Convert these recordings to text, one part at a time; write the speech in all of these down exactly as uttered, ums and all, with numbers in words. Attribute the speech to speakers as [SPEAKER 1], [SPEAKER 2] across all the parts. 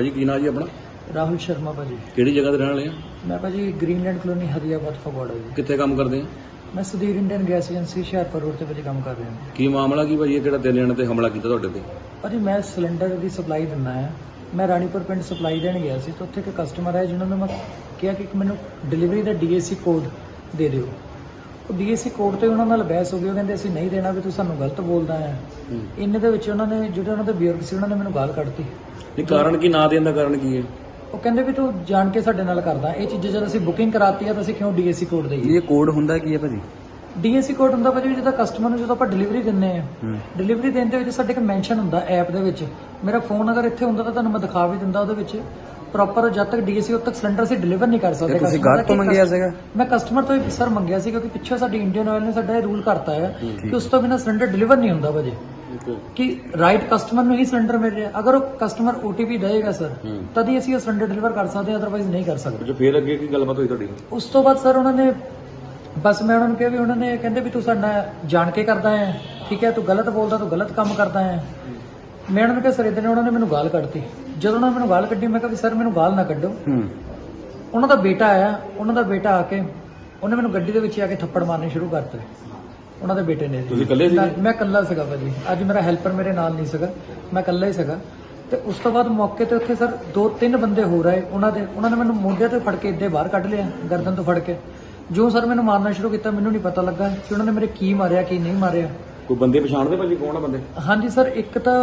[SPEAKER 1] ਭਾਜੀ ਕੀ ਨਾਂ ਜੀ ਆਪਣਾ?
[SPEAKER 2] ਰਾਹੁਲ ਸ਼ਰਮਾ ਭਾਜੀ।
[SPEAKER 1] ਕਿਹੜੀ ਜਗ੍ਹਾ ਤੇ ਰਹਿਣ ਵਾਲੇ ਆ?
[SPEAKER 2] ਮੈਂ ਭਾਜੀ ਗ੍ਰੀਨਲੈਂਡ ਕਲੋਨੀ ਹਰੀਆਬਾਦ ਫਗਵਾੜਾ ਜੀ।
[SPEAKER 1] ਕਿੱਥੇ ਕੰਮ ਕਰਦੇ ਆ?
[SPEAKER 2] ਮੈਂ Sudhir Indian gas agency Hoshiarpur road ਤੇ ਭਾਜੀ ਕੰਮ ਕਰ ਰਿਹਾ ਹਾਂ।
[SPEAKER 1] ਕੀ ਮਾਮਲਾ ਕੀ ਭਾਜੀ ਇਹ ਕਿਹੜਾ ਤਿੰਨ ਜਣੇ ਤੇ ਹਮਲਾ ਕੀਤਾ ਤੁਹਾਡੇ ਤੇ?
[SPEAKER 2] ਭਾਜੀ ਮੈਂ ਸਿਲੰਡਰ ਦੀ ਸਪਲਾਈ ਦਿੰਦਾ ਹਾਂ। ਮੈਂ ਰਾਣੀਪੁਰ ਪਿੰਡ ਸਪਲਾਈ ਦੇਣ ਗਿਆ ਸੀ ਤਾਂ ਉੱਥੇ ਇੱਕ ਕਸਟਮਰ ਹੈ ਜਿਨ੍ਹਾਂ ਨੂੰ ਮੈਂ ਕਿਹਾ ਕਿ ਮੈਨੂੰ ਡਿਲੀਵਰੀ ਦਾ ਡੀਏਸੀ ਕੋਡ ਦੇ ਦਿਓ। ਉਹ ਡੀਏਸੀ ਕੋਡ ਤੇ ਉਹਨਾਂ ਨਾਲ ਬਹਿਸ ਹੋ ਗਈ। ਉਹ ਕਹਿੰਦੇ ਅਸੀਂ ਨਹੀਂ ਦੇਣਾ, ਵੀ ਤੂੰ ਸਾਨੂੰ ਗਲਤ ਬੋਲਦਾ ਹੈ। ਇੰਨੇ ਦੇ ਵਿੱਚ ਉਹਨਾਂ ਨੇ ਜਿਹੜੇ ਉਹਨਾਂ ਦੇ ਬਜ਼ੁਰਗ ਸੀ ਉਹਨਾਂ ਨੇ ਮੈਨੂੰ ਗਾਲ ਕੱਢਤੀ।
[SPEAKER 1] ਨਹੀਂ ਕਾਰਨ ਕੀ, ਨਾ ਦੇਣ ਦਾ ਕਾਰਨ ਕੀ ਹੈ?
[SPEAKER 2] ਉਹ ਕਹਿੰਦੇ ਵੀ ਤੂੰ ਜਾਣ ਕੇ ਸਾਡੇ ਨਾਲ ਕਰਦਾ ਇਹ ਚੀਜ਼ਾਂ। ਜਦ ਅਸੀਂ ਬੁਕਿੰਗ ਕਰਾਤੀ ਆ ਤਾਂ ਅਸੀਂ ਕਿਉਂ ਡੀਏਸੀ ਕੋਡ ਦੇਈਏ?
[SPEAKER 1] ਇਹ ਕੋਡ ਹੁੰਦਾ ਕੀ ਹੈ ਭਾਜੀ?
[SPEAKER 2] ਡੀਏਸੀ ਕੋਡ ਹੁੰਦਾ ਭਾਜੀ ਜਦੋਂ ਕਸਟਮਰ ਨੂੰ ਜਦੋਂ ਆਪਾਂ ਡਿਲੀਵਰੀ ਦਿੰਨੇ ਆ, ਡਿਲੀਵਰੀ ਦੇਣ ਦੇ ਵਿੱਚ ਸਾਡੇ ਇੱਕ ਮੈਂਸ਼ਨ ਹੁੰਦਾ ਐਪ ਦੇ ਵਿੱਚ। ਮੇਰਾ ਫੋਨ ਅਗਰ ਇੱਥੇ ਹੁੰਦਾ ਤਾਂ ਤੁਹਾਨੂੰ ਮੈਂ ਦਿਖਾ ਵੀ ਦਿੰਦਾ। ਉਹਦੇ ਵਿੱਚ ਪ੍ਰੋਪਰ ਜਦ ਤੱਕ ਡੀਏਸੀ ਉਦ ਤੱਕ ਸਿਲੰਡਰ ਅਸੀਂ ਡਿਲੀਵਰ ਨਹੀਂ ਕਰ ਸਕਦੇ।
[SPEAKER 1] ਤੁਸੀਂ ਗਾਹਕ ਤੋਂ ਮੰਗਿਆ ਸੀਗਾ?
[SPEAKER 2] ਮੈਂ ਕਸਟਮਰ ਤੋਂ ਹੀ ਸਰ ਮੰਗਿਆ ਸੀ, ਕਿਉਂਕਿ ਪਿੱਛੇ ਸਾਡੀ ਇੰਡੀਅਨ ਆਇਲ ਨੇ ਸਾਡਾ ਇਹ ਰੂਲ ਕਰਤਾ ਹੈ ਕਿ ਉਸ ਤੋਂ ਬਿਨਾਂ ਸਿਲੰਡਰ ਡਿਲੀਵਰ ਨਹੀਂ ਹੁੰਦਾ ਭਾਜੀ। ਕਿ ਰਾਈਟ ਕਸਟਮਰ ਨੂੰ ਹੀ ਸਿਲੰਡਰ ਮਿਲ ਰਿਹਾ। ਅਗਰ ਉਹ ਕਸਟਮਰ ਓਟੀਪੀ ਦੇਏਗਾ ਸਰ ਤਦ ਹੀ ਅਸੀਂ ਉਹ ਸਿਲੰਡਰ ਡਿਲੀਵਰ ਕਰ ਸਕਦੇ ਹਾਂ, ਅਦਰਵਾਈਜ਼ ਨਹੀਂ ਕਰ ਸਕਦੇ।
[SPEAKER 1] ਜੋ ਫਿਰ ਅੱਗੇ ਕੀ ਗੱਲਬਾਤ ਹੋਈ ਤੁਹਾਡੀ?
[SPEAKER 2] ਉਸ ਤੋਂ ਬਾਅਦ ਸਰ ਉਹਨਾਂ ਨੇ ਬਸ ਮੈਂ ਉਹਨਾਂ ਨੂੰ ਕਿਹਾ ਵੀ ਉਹਨਾਂ ਨੇ ਕਹਿੰਦੇ ਵੀ ਤੂੰ ਸਾਡਾ ਜਾਣ ਕੇ ਕਰਦਾ ਹੈ, ਠੀਕ ਹੈ, ਤੂੰ ਗਲਤ ਬੋਲਦਾ, ਤੂੰ ਗਲਤ ਕੰਮ ਕਰਦਾ ਹੈ। ਮੈਂ ਉਹਨਾਂ ਨੂੰ ਕਿਹਾ ਸਰ ਇਦਾਂ ਨੇ। ਉਹਨਾਂ ਨੇ ਮੈਨੂੰ ਗਾਲ ਕੱਢਤੀ। ਜਦੋਂ ਉਹਨਾਂ ਨੇ ਮੈਨੂੰ ਗਾਲ ਕੱਢੀ ਮੈਂ ਕਿਹਾ ਵੀ ਸਰ ਮੈਨੂੰ ਗਾਲ ਨਾ ਕੱਢੋ। ਉਹਨਾਂ ਦਾ ਬੇਟਾ ਆਇਆ। ਉਹਨਾਂ ਦਾ ਬੇਟਾ ਆ ਕੇ ਉਹਨੇ ਮੈਨੂੰ ਗੱਡੀ ਦੇ ਵਿੱਚ ਆ ਕੇ ਥੱਪੜ ਮਾਰਨੇ ਸ਼ੁਰੂ ਕਰਤੇ। ਉਹਨਾਂ ਦੇ ਬੇਟੇ ਨੇ।
[SPEAKER 1] ਤੁਸੀਂ ਇਕੱਲੇ ਸੀ?
[SPEAKER 2] ਮੈਂ ਇਕੱਲਾ ਸੀਗਾ ਭਾਜੀ। ਅੱਜ ਮੇਰਾ ਹੈਲਪਰ ਮੇਰੇ ਨਾਲ ਨਹੀਂ ਸੀਗਾ, ਮੈਂ ਇਕੱਲਾ ਹੀ ਸੀਗਾ। ਤੇ ਉਸ ਤੋਂ ਬਾਅਦ ਮੌਕੇ ਤੇ ਉੱਥੇ ਸਰ ਦੋ ਤਿੰਨ ਬੰਦੇ ਹੋ ਰਹੇ ਉਹਨਾਂ ਦੇ। ਉਹਨਾਂ ਨੇ ਮੈਨੂੰ ਮੋਢੇ ਤੋਂ ਫੜ ਕੇ ਇੱਦੇ ਬਾਹਰ ਕੱਢ ਲਿਆ, ਗਰਦਨ ਤੋਂ ਫੜ ਕੇ। ਜੋ ਸਰ ਮੈਨੂੰ ਮਾਰਨਾ ਸ਼ੁਰੂ ਕੀਤਾ ਮੈਨੂੰ ਨਹੀਂ ਪਤਾ ਲੱਗਾ ਕਿ ਉਹਨਾਂ ਨੇ ਮੇਰੇ ਕੀ ਮਾਰਿਆ ਕੀ ਨਹੀਂ ਮਾਰਿਆ।
[SPEAKER 1] ਕੋਈ ਬੰਦੇ ਪਛਾਣਦੇ ਭਾਜੀ ਕੌਣ ਆ ਬੰਦੇ? ਹਾਂਜੀ
[SPEAKER 2] ਸਰ, ਇੱਕ ਤਾਂ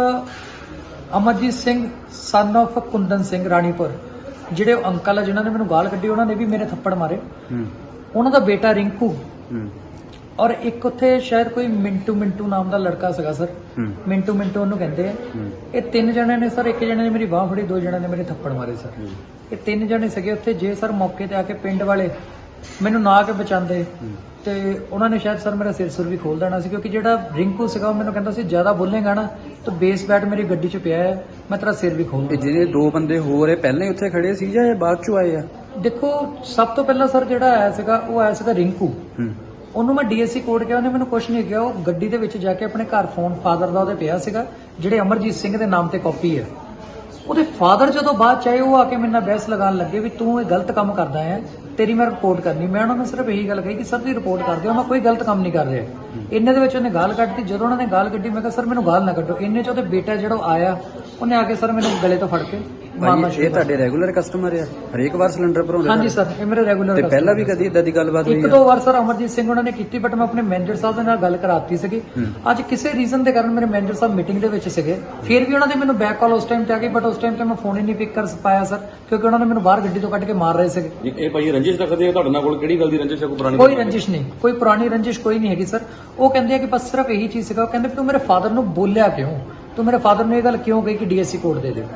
[SPEAKER 2] ਅਮਰਜੀਤ ਸਿੰਘ ਸਨ ਆਫ ਕੁੰਦਨ ਸਿੰਘ ਰਾਣੀਪੁਰ, ਜਿਹੜੇ ਉਹ ਅੰਕਲ ਆ ਜਿਨ੍ਹਾਂ ਨੇ ਮੈਨੂੰ ਗਾਲ ਕੱਢੀ, ਉਹਨਾਂ ਨੇ ਵੀ ਮੇਰੇ ਥੱਪੜ ਮਾਰੇ। ਉਹਨਾਂ ਦਾ ਬੇਟਾ ਰਿੰਕੂ, ਔਰ ਇੱਕ ਉੱਥੇ ਸ਼ਾਇਦ ਕੋਈ ਮਿੰਟੂ ਮਿੰਟੂ ਨਾਮ ਦਾ ਲੜਕਾ ਸੀਗਾ ਸਰ। ਮਿੰਟੂ ਮਿੰਟੂ ਉਹਨੂੰ ਕਹਿੰਦੇ ਆ। ਇਹ ਤਿੰਨ ਜਣੇ ਨੇ ਸਰ। ਇੱਕ ਜਣੇ ਨੇ ਮੇਰੀ ਬਾਹ ਫੜੀ, ਦੋ ਜਣੇ ਨੇ ਮੇਰੇ ਥੱਪੜ ਮਾਰੇ ਸਰ। ਇਹ ਤਿੰਨ ਜਣੇ ਸੀਗੇ ਉੱਥੇ। ਜੇ ਸਰ ਮੌਕੇ ਤੇ ਆ ਕੇ ਪਿੰਡ ਵਾਲੇ ਮੈਨੂੰ ਨਾ ਆ ਕੇ ਬਚਾਉਂਦੇ ਤੇ ਉਹਨਾਂ ਨੇ ਸ਼ਾਇਦ ਸਰ ਮੇਰਾ ਸਿਰ ਸੁਰ ਵੀ ਖੋਲ ਦੇਣਾ ਸੀ, ਕਿਉਂਕਿ ਜਿਹੜਾ ਰਿੰਕੂ ਸੀਗਾ ਉਹ ਮੈਨੂੰ ਕਹਿੰਦਾ ਸੀ ਜ਼ਿਆਦਾ ਬੋਲੇਗਾ ਨਾ ਤਾਂ ਬੇਸ ਬੈਟ ਮੇਰੀ ਗੱਡੀ 'ਚ ਪਿਆ ਹੈ, ਮੈਂ ਤੇਰਾ ਸਿਰ ਵੀ ਖੋਲ ਦੂੰਗਾ।
[SPEAKER 1] ਜਿਹੜੇ ਦੋ ਬੰਦੇ ਹੋਰ ਇਹ ਪਹਿਲਾਂ ਹੀ ਉੱਥੇ ਖੜੇ ਸੀ ਜਾਂ ਇਹ ਬਾਅਦ 'ਚੋਂ ਆਏ ਆ?
[SPEAKER 2] ਦੇਖੋ, ਸਭ ਤੋਂ ਪਹਿਲਾਂ ਸਰ ਜਿਹੜਾ ਆਇਆ ਸੀਗਾ ਉਹ ਆਇਆ ਸੀਗਾ ਰਿੰਕੂ। ਉਹਨੂੰ ਮੈਂ ਡੀਐਸਸੀ ਕੋਡ ਕਿਹਾ, ਉਹਨੇ ਮੈਨੂੰ ਕੁਝ ਨਹੀਂ ਕਿਹਾ। ਉਹ ਗੱਡੀ ਦੇ ਵਿੱਚ ਜਾ ਕੇ ਆਪਣੇ ਘਰ ਫੋਨ ਫਾਦਰ ਦਾ ਉਹਦੇ ਪਿਆ ਸੀਗਾ, ਜਿਹੜੇ ਅਮਰਜੀਤ ਸਿੰਘ ਦੇ ਨਾਮ ਤੇ ਕਾਪੀ ਹੈ। ਉਹਦੇ ਫਾਦਰ ਜਦੋਂ ਬਾਅਦ ਚਾਹੇ ਉਹ ਆ ਕੇ ਮੇਰੇ ਨਾਲ ਬਹਿਸ ਲਗਾਉਣ ਲੱਗੇ ਵੀ ਤੂੰ ਇਹ ਗਲਤ ਕੰਮ ਕਰਦਾ ਹੈ, ਤੇਰੀ ਮੈਂ ਰਿਪੋਰਟ ਕਰਨੀ। ਮੈਂ ਉਹਨਾਂ ਨੂੰ ਸਿਰਫ ਇਹੀ ਗੱਲ ਕਹੀ ਕਿ ਸਰ ਤੁਸੀਂ ਰਿਪੋਰਟ ਕਰ ਦਿਓ, ਮੈਂ ਕੋਈ ਗਲਤ ਕੰਮ ਨਹੀਂ ਕਰ ਰਿਹਾ। ਇੰਨੇ ਦੇ ਵਿੱਚ ਉਹਨੇ ਗਾਲ ਕੱਢਤੀ। ਜਦੋਂ ਉਹਨਾਂ ਨੇ ਗਾਲ ਕੱਢੀ ਮੈਂ ਕਿਹਾ ਸਰ ਮੈਨੂੰ ਗਾਲ ਨਾ ਕੱਢੋ। ਇੰਨੇ 'ਚ ਉਹਦੇ ਬੇਟਾ ਜਿਹੜਾ ਆਇਆ ਉਹਨੇ ਆ ਕੇ ਸਰ ਮੈਨੂੰ ਗਲੇ ਤੋਂ ਫੜ ਕੇ ਮਾਰਨਾ ਸ਼ੁਰੂ।
[SPEAKER 1] ਇਹ ਤੁਹਾਡੇ ਰੈਗੂਲਰ ਕਸਟਮਰ ਆ? ਹਰੇਕ ਵਾਰ ਸਿਲੰਡਰ ਭਰਾਉਂਦੇ?
[SPEAKER 2] ਹਾਂਜੀ ਸਰ, ਇਹ ਮੇਰੇ ਰੈਗੂਲਰ।
[SPEAKER 1] ਤੇ ਪਹਿਲਾਂ ਵੀ ਕਦੀ ਇਦਾਂ ਦੀ ਗੱਲਬਾਤ ਹੋਈ?
[SPEAKER 2] ਇੱਕ ਦੋ ਵਾਰ ਸਰ ਅਮਰਜੀਤ ਸਿੰਘ ਉਹਨਾਂ ਨੇ ਕੀਤੀ, ਬਟ ਮੈਂ ਆਪਣੇ ਮੈਨੇਜਰ ਸਾਹਿਬ ਦੇ ਨਾਲ ਗੱਲ ਕਰਾਤੀ ਸੀਗੀ। ਅੱਜ ਕਿਸੇ ਰੀਜ਼ਨ ਦੇ ਕਾਰਨ ਮੇਰੇ ਮੈਨੇਜਰ ਸਾਹਿਬ ਮੀਟਿੰਗ ਦੇ ਵਿੱਚ ਸੀਗੇ, ਫਿਰ ਵੀ ਉਹਨਾਂ ਦੇ ਮੈਨੂੰ ਬੈਕ ਕਾਲ ਉਸ ਟਾਈਮ ਤੇ ਆ ਗਈ, ਬਟ ਉਸ ਟਾਈਮ ਤੇ ਮੈਂ ਫੋਨ ਹੀ ਨਹੀਂ ਪਿਕ ਕਰ ਪਾਇਆ ਸਰ, ਕਿਉਂਕਿ ਉਹਨਾਂ ਨੇ ਮੈਨੂੰ ਬਾਹਰ ਗੱਡੀ ਤੋਂ ਕੱਢ ਕੇ ਮਾਰ ਰਹੇ ਸੀਗੇ। ਇਹ ਭਾਈ ਰੰਜਿਸ਼ ਰੱਖਦੇ ਆ ਤੁਹਾਡੇ ਨਾਲ? ਕੋਲ ਕਿਹੜੀ ਗੱਲ ਦੀ ਰੰਜਿਸ਼ ਹੈ? ਕੋਈ ਪੁਰਾਣੀ? ਕੋਈ ਰੰਜਿਸ਼ ਨਹੀਂ, ਕੋਈ ਪੁਰਾਣੀ ਰੰਜਿਸ਼ ਕੋਈ ਨਹੀਂ ਹੈਗੀ ਸਰ। ਉਹ ਕਹਿੰਦੇ ਆ ਕਿ ਬਸ ਸਿਰਫ ਇਹੀ ਚੀਜ਼ ਸੀਗਾ। ਉਹ ਕਹਿੰਦੇ ਤੂੰ ਮੇਰੇ ਫਾਦਰ ਨੂੰ ਬੋਲਿਆ ਕਿਉਂ, ਤੂੰ ਮੇਰੇ ਫਾਦਰ ਨੂੰ ਇਹ ਗੱਲ ਕਿਉਂ ਕਹੀ ਕਿ ਡੀਐਸਸੀ ਕੋਡ ਦੇ ਦੇ।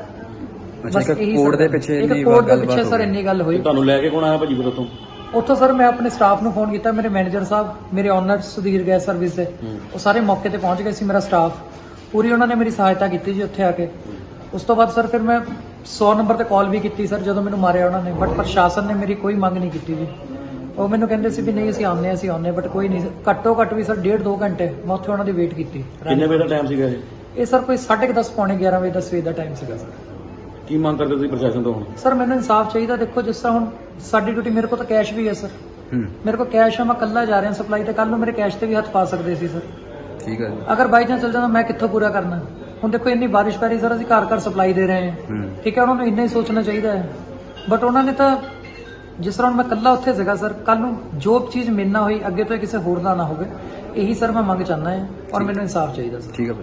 [SPEAKER 2] ਬਸ ਇਹੀ ਕੋਡ ਦੇ ਪਿੱਛੇ ਇੰਨੀ ਕੋਡ ਦੇ ਪਿੱਛੇ ਸਰ ਇੰਨੀ ਗੱਲ ਹੋਈ।
[SPEAKER 1] ਤੁਹਾਨੂੰ ਲੈ ਕੇ ਕੌਣ ਆਇਆ ਭਾਜੀ ਫਿਰ ਉੱਥੋਂ?
[SPEAKER 2] ਉੱਥੋਂ ਸਰ ਮੈਂ ਆਪਣੇ ਸਟਾਫ ਨੂੰ ਫੋਨ ਕੀਤਾ, ਮੇਰੇ ਮੈਨੇਜਰ ਸਾਹਿਬ, ਮੇਰੇ ਓਨਰ ਸੁਧੀਰ ਗੈਸ ਸਰਵਿਸ ਦੇ, ਉਹ ਸਾਰੇ ਮੌਕੇ ਤੇ ਪਹੁੰਚ ਗਏ ਸੀ। ਮੇਰਾ ਸਟਾਫ ਪੂਰੀ ਉਹਨਾਂ ਨੇ ਮੇਰੀ ਸਹਾਇਤਾ ਕੀਤੀ ਜੀ ਉੱਥੇ ਆ ਕੇ। ਉਸ ਤੋਂ ਬਾਅਦ ਸਰ ਫਿਰ ਮੈਂ ਸੌ ਨੰਬਰ ਤੇ ਕਾਲ ਵੀ ਕੀਤੀ ਸਰ ਜਦੋਂ ਮੈਨੂੰ ਮਾਰਿਆ ਉਹਨਾਂ ਨੇ, ਬਟ ਪ੍ਰਸ਼ਾਸਨ ਨੇ ਮੇਰੀ ਕੋਈ ਮੰਗ ਨਹੀਂ ਕੀਤੀ ਜੀ। ਉਹ ਮੈਨੂੰ ਕਹਿੰਦੇ ਸੀ ਵੀ ਨਹੀਂ ਅਸੀਂ ਆਉਂਦੇ ਅਸੀਂ ਆਉਂਦੇ, ਬਟ ਕੋਈ ਨਹੀਂ। ਘੱਟੋ ਘੱਟ ਵੀ ਸਰ ਡੇਢ ਦੋ ਘੰਟੇ ਮੈਂ ਉੱਥੇ ਉਹਨਾਂ ਦੀ ਵੇਟ ਕੀਤੀ।
[SPEAKER 1] ਕਿੰਨੇ ਵਜੇ ਦਾ ਟਾਈਮ ਸੀਗਾ ਇਹ?
[SPEAKER 2] ਇਹ ਸਰ ਕੋਈ ਸਾਢੇ ਦਸ ਪੌਣੇ ਗਿਆਰਾਂ ਵਜੇ ਦਾ ਸਵੇਰ ਦਾ ਟਾਈਮ ਸੀਗਾ ਸਰ।
[SPEAKER 1] ਕੀ ਮੰਗ ਕਰਦੇ ਤੁਸੀਂ ਪ੍ਰਸ਼ਾਸਨ ਤੋਂ ਹੁਣ?
[SPEAKER 2] ਸਰ ਮੈਨੂੰ ਇਨਸਾਫ ਚਾਹੀਦਾ। ਦੇਖੋ ਜਿਸ ਤਰ੍ਹਾਂ ਹੁਣ ਸਾਡੀ ਡਿਊਟੀ, ਮੇਰੇ ਕੋਲ ਤਾਂ ਕੈਸ਼ ਵੀ ਹੈ ਸਰ। ਮੇਰੇ ਕੋਲ ਕੈਸ਼ ਹੈ, ਮੈਂ ਕੱਲਾ ਜਾ ਰਿਹਾ ਸਪਲਾਈ ਤੇ, ਕੱਲ ਨੂੰ ਮੇਰੇ ਕੈਸ਼ ਤੇ ਵੀ ਹੱਥ ਪਾ ਸਕਦੇ ਸੀ ਸਰ।
[SPEAKER 1] ਠੀਕ ਹੈ।
[SPEAKER 2] ਅਗਰ ਬਾਈ ਚਾਂਸ ਚੱਲ ਜਾਂਦਾ ਮੈਂ ਕਿੱਥੋਂ ਪੂਰਾ ਕਰਨਾ? ਹੁਣ ਦੇਖੋ ਇੰਨੀ ਬਾਰਿਸ਼ ਪੈ ਰਹੀ ਸਰ, ਅਸੀਂ ਘਰ ਘਰ ਸਪਲਾਈ ਦੇ ਰਹੇ ਹਾਂ, ਠੀਕ ਹੈ। ਉਹਨਾਂ ਨੂੰ ਇੰਨਾ ਹੀ ਸੋਚਣਾ ਚਾਹੀਦਾ ਹੈ, ਬਟ ਉਹਨਾਂ ਨੇ ਤਾਂ ਜਿਸ ਤਰ੍ਹਾਂ ਮੈਂ ਕੱਲਾ ਉੱਥੇ ਸੀਗਾ ਸਰ, ਕੱਲ ਨੂੰ ਜੋ ਚੀਜ਼ ਮੇਰੇ ਨਾਲ ਹੋਈ ਅੱਗੇ ਤੋਂ ਕਿਸੇ ਹੋਰ ਦਾ ਨਾ ਹੋਵੇ, ਇਹੀ ਸਰ ਮੈਂ ਮੰਗ ਚਾਹੁੰਦਾ ਹਾਂ ਔਰ ਮੈਨੂੰ ਇਨਸਾਫ ਚਾਹੀਦਾ ਸਰ।
[SPEAKER 1] ਠੀਕ ਹੈ।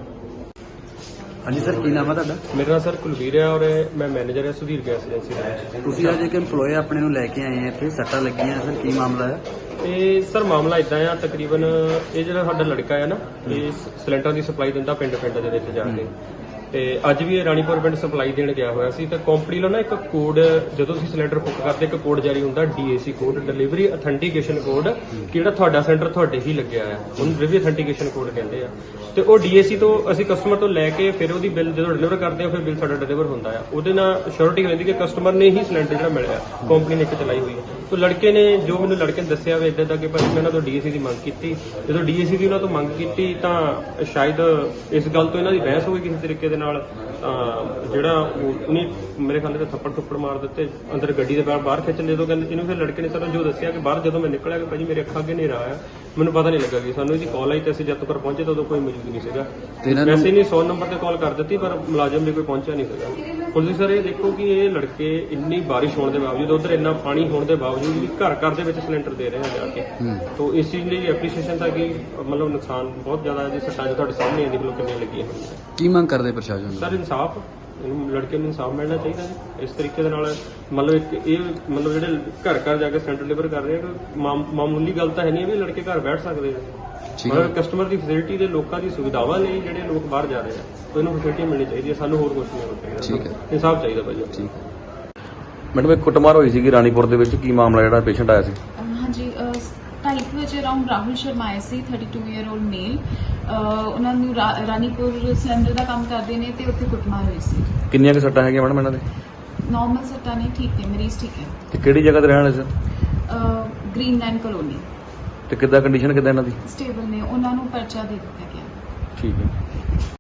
[SPEAKER 1] ਹਾਂਜੀ ਸਰ, ਕੀ ਨਾਮ ਹੈ ਤੁਹਾਡਾ?
[SPEAKER 3] ਮੇਰਾ ਨਾਮ ਸਰ ਕੁਲਵੀਰ ਹੈ ਔਰ ਮੈਂ ਮੈਨੇਜਰ ਹਾਂ ਸੁਧੀਰ ਗੈਸ ਏਜੰਸੀ ਦਾ।
[SPEAKER 1] ਤੁਸੀਂ ਅੱਜ ਇੱਕ EMPLOYE ਆਪਣੇ ਨੂੰ ਲੈ ਕੇ ਆਏ ਆ ਇੱਥੇ, ਸੱਟਾਂ ਲੱਗੀਆਂ ਸਰ, ਕੀ ਮਾਮਲਾ ਹੈ?
[SPEAKER 3] ਇਹ ਸਰ ਮਾਮਲਾ ਇਦਾਂ ਆ, ਤਕਰੀਬਨ ਇਹ ਜਿਹੜਾ ਸਾਡਾ ਲੜਕਾ ਹੈ ਨਾ, ਇਹ ਸਿਲੰਡਰ ਦੀ ਸਪਲਾਈ ਦਿੰਦਾ ਪਿੰਡ ਪਿੰਡ ਦੇ ਵਿੱਚ ਜਾ ਕੇ। ਤੇ ਅੱਜ ਵੀ ਇਹ ਰਾਣੀਪੁਰ ਪਿੰਡ ਸਪਲਾਈ ਦੇਣ ਗਿਆ ਹੋਇਆ ਸੀ। ਤੇ ਕੰਪਨੀ ਵੱਲੋਂ ਨਾ ਇੱਕ ਕੋਡ, ਜਦੋਂ ਤੁਸੀਂ ਸਿਲੰਡਰ ਬੁੱਕ ਕਰਦੇ ਇੱਕ ਕੋਡ ਜਾਰੀ ਹੁੰਦਾ, DAC code, delivery authentication code, ਜਿਹੜਾ ਤੁਹਾਡਾ ਸਿਲੰਡਰ ਤੁਹਾਡੇ ਹੀ ਲੱਗਿਆ ਹੈ, ਉਹਨੂੰ ਡਿਲੀਵਰੀ ਅਥੈਂਟੀਕੇਸ਼ਨ ਕੋਡ ਕਹਿੰਦੇ ਆ। ਤੇ ਉਹ ਡੀਏਸੀ ਤੋਂ ਅਸੀਂ ਕਸਟਮਰ ਤੋਂ ਲੈ ਕੇ ਫਿਰ ਉਹਦੀ ਬਿੱਲ ਜਦੋਂ ਡਿਲੀਵਰ ਕਰਦੇ ਆ, ਫਿਰ ਬਿੱਲ ਸਾਡਾ ਡਿਲੀਵਰ ਹੁੰਦਾ ਆ। ਉਹਦੇ ਨਾਲ ਸ਼ੋਰਟੀ ਰਹਿੰਦੀ ਕਿ ਕਸਟਮਰ ਨੇ ਹੀ ਸਿਲੰਡਰ ਜਿਹੜਾ ਮਿਲਿਆ, ਕੰਪਨੀ ਨੇ ਇੱਕ ਚਲਾਈ ਹੋਈ ਹੈ। तो लड़के ने जो मैंने लड़के ने दसिया वे इदा कि भाई मैं तो डीएसी की मंग की, जो डीएसी की उन्होंने तो मंग की तो शायद इस गल तो इन्हों की बहस हो गई किसी तरीके ਨਾਲ ਤਾਂ ਜਿਹੜਾ ਉਹ- ਉਹਨੇ ਮੇਰੇ ਖਿਆਲ ਤੇ ਥੱਪੜ ਥੁੱਪੜ ਮਾਰ ਦਿੱਤੇ, ਅੰਦਰ ਗੱਡੀ ਦੇ ਬਾਹਰ ਬਾਹਰ ਖਿੱਚ ਲਏ। ਤੋਂ ਕਹਿੰਦੇ ਇਹਨੂੰ ਫਿਰ ਲੜਕੇ ਨੇ ਸਾਨੂੰ ਜੋ ਦੱਸਿਆ ਕਿ ਬਾਹਰ ਜਦੋਂ ਮੈਂ ਨਿਕਲਿਆ ਕਿ ਭਾਜੀ ਮੇਰੇ ਅੱਖਾਂ ਅੱਗੇ ਹਨੇਰਾ ਆਇਆ, ਮੈਨੂੰ ਪਤਾ ਨਹੀਂ ਲੱਗਾ ਕਿ ਸਾਨੂੰ ਇਹਦੀ ਕਾਲ ਆਈ ਤੇ ਅਸੀਂ ਜਦ ਤੱਕ ਪਹੁੰਚੇ ਤਾਂ ਉਦੋਂ ਕੋਈ ਮੌਜੂਦ ਨਹੀਂ ਸੀਗਾ।
[SPEAKER 1] ਤੇ ਇਹਨਾਂ ਨੂੰ
[SPEAKER 3] ਵੈਸੇ ਨਹੀਂ ਸੌ ਨੰਬਰ ਤੇ ਕਾਲ ਕਰ ਦਿੱਤੀ ਪਰ ਮੁਲਾਜ਼ਮ ਵੀ ਕੋਈ ਪਹੁੰਚਿਆ ਨਹੀਂ ਸੀਗਾ। ਹੁਣ ਤੁਸੀਂ ਸਰ ਇਹ ਦੇਖੋ ਕਿ ਇਹ ਲੜਕੇ ਇੰਨੀ ਬਾਰਿਸ਼ ਹੋਣ ਦੇ ਬਾਵਜੂਦ, ਉਧਰ ਇੰਨਾ ਪਾਣੀ ਹੋਣ ਦੇ ਬਾਵਜੂਦ ਵੀ ਘਰ ਘਰ ਦੇ ਵਿੱਚ ਸਿਲੰਡਰ ਦੇ ਰਹੇ ਆ ਜਾ ਕੇ।
[SPEAKER 1] ਹੂੰ।
[SPEAKER 3] ਤੋ ਇਸ ਚੀਜ਼ ਲਈ ਐਪਰੀਸ਼ੀਏਸ਼ਨ ਤਾਂ ਕਿ ਮਤਲਬ ਨੁਕਸਾਨ ਬਹੁਤ ਜ਼ਿਆਦਾ ਹੈ ਜੀ, ਸੱਟਾਂ ਜੋ ਤੁਹਾਡੇ ਸਾਹਮਣੇ ਦੇਖ ਲਓ ਕਿੰਨੀਆਂ ਲੱਗੀਆਂ ਹੋਈਆਂ।
[SPEAKER 1] ਕੀ ਮੰਗ ਕਰਦੇ ਪ੍ਰਸ਼ਾਸਨ ਨੂੰ?
[SPEAKER 3] ਸਰ ਇਨਸਾਫ, ਇਹਨੂੰ ਲੜਕੇ ਨੂੰ ਇਨਸਾਫ ਮਿਲਣਾ ਚਾਹੀਦਾ ਜੀ। ਇਸ ਤਰੀਕੇ ਦੇ ਨਾਲ ਮਤਲਬ ਇੱਕ ਇਹ ਮਤਲਬ ਜਿਹੜੇ ਘਰ ਘਰ ਜਾ ਕੇ ਸਿਲੰਡਰ ਡਿਲੀਵਰ ਕਰ ਰਹੇ ਆ, ਮਾਮ- ਮਾਮੂਲੀ ਗੱਲ ਤਾਂ ਹੈ ਨਹੀਂ ਵੀ ਲੜਕੇ ਘਰ ਬੈਠ ਸਕਦੇ ਆ।
[SPEAKER 1] ਠੀਕ ਹੈ।
[SPEAKER 3] ਮਤਲਬ ਕਸਟਮਰ ਦੀ ਫੈਸਿਲਿਟੀ ਦੇ ਲੋਕਾਂ ਦੀ ਸੁਵਿਧਾਵਾਂ ਲਈ ਜਿਹੜੇ ਲੋਕ ਬਾਹਰ ਜਾ ਰਹੇ ਆ, ਤਾਂ ਇਹਨੂੰ ਫੈਸਿਲਿਟੀ ਮਿਲਣੀ ਚਾਹੀਦੀ ਹੈ। ਸਾਨੂੰ ਹੋਰ ਕੁਝ ਨਹੀਂ ਹੋਣਾ ਚਾਹੀਦਾ।
[SPEAKER 1] ਠੀਕ ਹੈ।
[SPEAKER 3] ਇਨਸਾਫ ਚਾਹੀਦਾ ਭਾਜੀ।
[SPEAKER 1] ਠੀਕ। ਮੈਡਮ, ਇੱਕ ਕੁੱਟਮਾਰ ਹੋਈ ਸੀਗੀ ਰਾਣੀਪੁਰ ਦੇ ਵਿੱਚ, ਕੀ ਮਾਮਲਾ ਜਿਹੜਾ ਪੇਸ਼ੈਂਟ ਆਇਆ ਸੀ?
[SPEAKER 4] ਹਾਂਜੀ ਢਾਈ ਕੁ ਵਜੇ ਅਰਾਊਂਡ ਰਾਹੁਲ ਸ਼ਰਮਾ ਆਏ ਸੀ, thirty two year old male. ਉਹਨਾਂ ਨੂੰ ਰਾ- ਰਾਣੀਪੁਰ ਸਿਲੰਡਰ ਦਾ ਕੰਮ ਕਰਦੇ ਨੇ ਤੇ ਉੱਥੇ ਕੁੱਟਮਾਰ ਹੋਈ ਸੀ।
[SPEAKER 1] ਕਿੰਨੀਆਂ ਕੁ ਸੱਟਾਂ ਹੈਗੀਆਂ ਮੈਡਮ ਇਹਨਾਂ ਦੇ?
[SPEAKER 4] ਨਾਰਮਲ ਸੱਟਾਂ ਨੇ, ਠੀਕ ਨੇ, ਮਰੀਜ਼ ਠੀਕ ਹੈ।
[SPEAKER 1] ਤੇ ਕਿਹੜੀ ਜਗ੍ਹਾ ਤੇ ਰਹਿਣ ਵਾਲੇ ਸਰ?
[SPEAKER 4] ਗ੍ਰੀਨ ਲਾਈਨ ਕਲੋਨੀ
[SPEAKER 1] ਤੇ ਕਿੱਦਾਂ ਕੰਡੀਸ਼ਨ ਕਿੱਦਾਂ ਇਹਨਾਂ ਦੀ?
[SPEAKER 4] ਸਟੇਬਲ ਨੇ, ਉਹਨਾਂ ਨੂੰ ਪਰਚਾ ਦੇ ਦਿੱਤਾ ਗਿਆ।
[SPEAKER 1] ਠੀਕ ਹੈ।